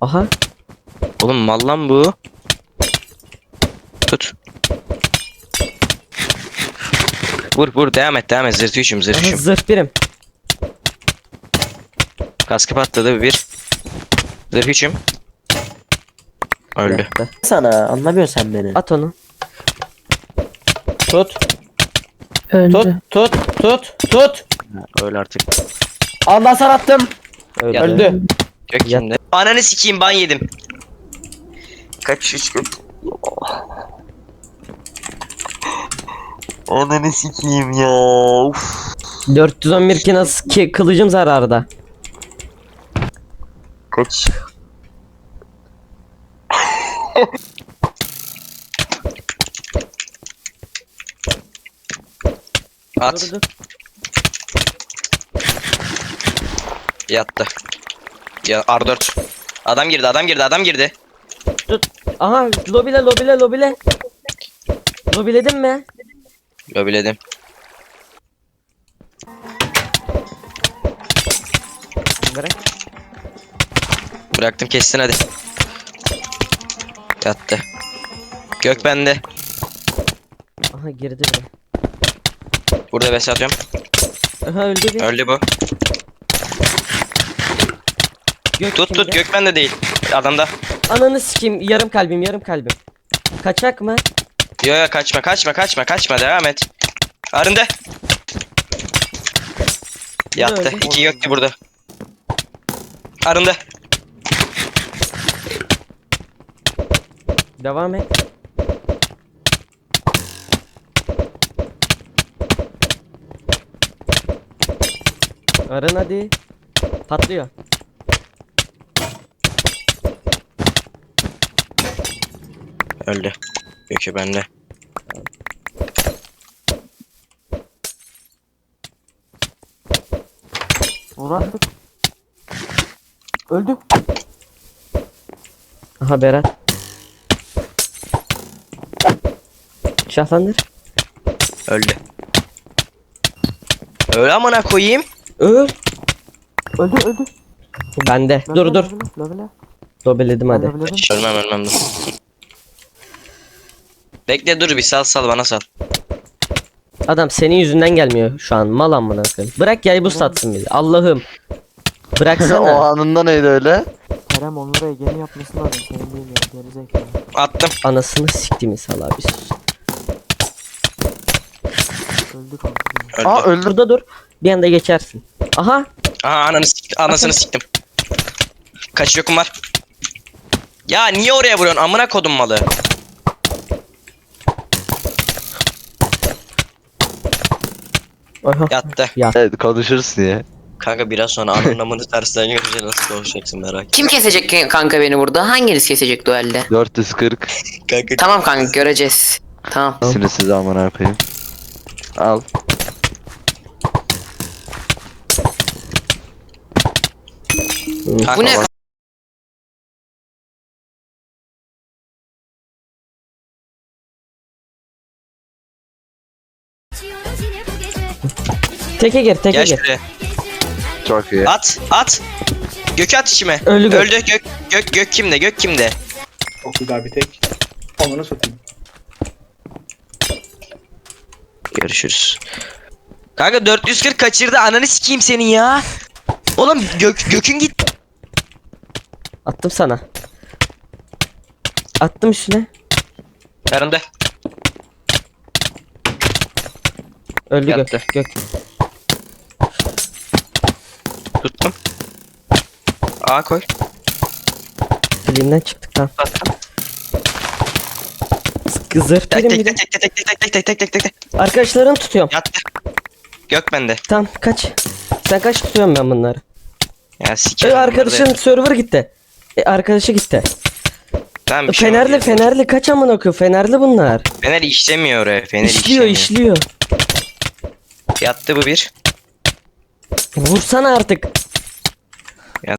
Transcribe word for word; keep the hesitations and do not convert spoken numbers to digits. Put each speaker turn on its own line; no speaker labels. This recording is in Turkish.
Aha.
Oğlum mal lan bu. Tut. Vur vur devam et devam et zırh üçüm zırh
Aha
üçüm.
zırh birim.
Kaskı patladı bir. Zırh üçüm. Öldü.
Yattı.
Sana anlamıyorsun sen beni.
At onu.
Tut.
Öldü.
Tut. Tut. Tut. Tut.
Öl artık.
Allah sana attım.
Öldü.
Ya-
Öldü.
Gök kimde? Ananı sikeyim ban yedim. Kaç üç gök. Ananı sikeyim ya. Uf.
dört yüz on bir ki nasıl ki kılıcım zararda.
Kaç. At.
Dur, dur.
Yattı. Ya R dört. Adam girdi adam girdi adam girdi.
Tut. Aha lobile lobile lobile. Lobiledin mi?
Lobiledim.
Bırak.
Bıraktım kessin hadi. Yattı. Gök bende.
Aha girdi bile.
Burada bes atıyorum.
Aha öldü bir.
Öldü bu.
Gök
Tut
kimde?
tut gök bende değil. Adamda.
Ananı sikeyim yarım kalbim yarım kalbim. Kaçak mı?
Yo yo kaçma kaçma kaçma kaçma devam et. Arındı. Yattı.
öldü.
İki göktü burada. Arındı.
Devam et. Arın hadi. Patlıyor.
Öldü. Gökü bende.
Uğraştık. Öldü.
Aha Berat. Şahlandır.
Öldü. Öyle amına koyayım.
Öl.
Öldü öldü.
Bende. Dur dur.
Lobile.
Dobeledim hadi.
Lobiledim.
Ölmem ölmem dur. Bekle dur bir sal sal bana sal.
Adam senin yüzünden gelmiyor şu an. Mal amına koyayım. Bırak yay bu satsın bizi. Allah'ım.
O
Bıraksana.
anında neydi öyle?
Kerem onlara Ege'nin yapması lazım. Senin değil ya. Gerizekalı.
Attım.
Anasını siktiğimi sal abi sus.
Öldü kanka.
Öldü.
Aa öldü.
Burada dur. Bir anda geçersin. Aha.
Aha ananı sik anasını siktim. Kaç yokum var? Ya niye oraya vuruyorsun amına kodum malı?
Aha.
Yattı.
Evet konuşuruz diye.
Kanka biraz sonra ananın amını tersten görünce nasıl konuşacaksın merak etme.
Kim kesecek kanka beni burada? Hanginiz kesecek duelde?
dört yüz kırk.
Kanka
Tamam kanka göreceğiz. Tamam.
Sini size amına koyayım. Al.
kanka
Bu ne?
bak-
Teke gir teke
Gel
gir.
şuraya.
Çok iyi.
At at. Gökü at içime.
Öldü gök.
Öldü gök. Gök gök kimde? Gök kimde?
Çok güzel bir tek. Onları satayım.
Görüşürüz. Kanka dört yüz kırk kaçırdı ananı sikeyim senin ya. Oğlum gök gökün git.
Attım sana. Attım üstüne.
Yarında.
Öldü
Yattı.
gök. Gök.
Tuttum. A koy.
Filmden çıktık tamam.
Attım.
Zırh
Tek
birim
tek
birim.
tek tek tek tek tek tek tek tek tek tek.
Arkadaşlarını tutuyorum.
Yattı. Gök bende.
Tamam kaç. Sen kaç tutuyorum ben bunları.
Ya
E,
sikerim.
arkadaşın server gitti. E, arkadaşı gitti.
Tamam,
E,
bir şey
Fenerli
olmaz.
Fenerli kaç amına koyuyor? Fenerli bunlar.
Fener işlemiyor oraya. Fener
İşliyor
işlemiyor.
işliyor.
Yattı bu bir.
Vursana artık.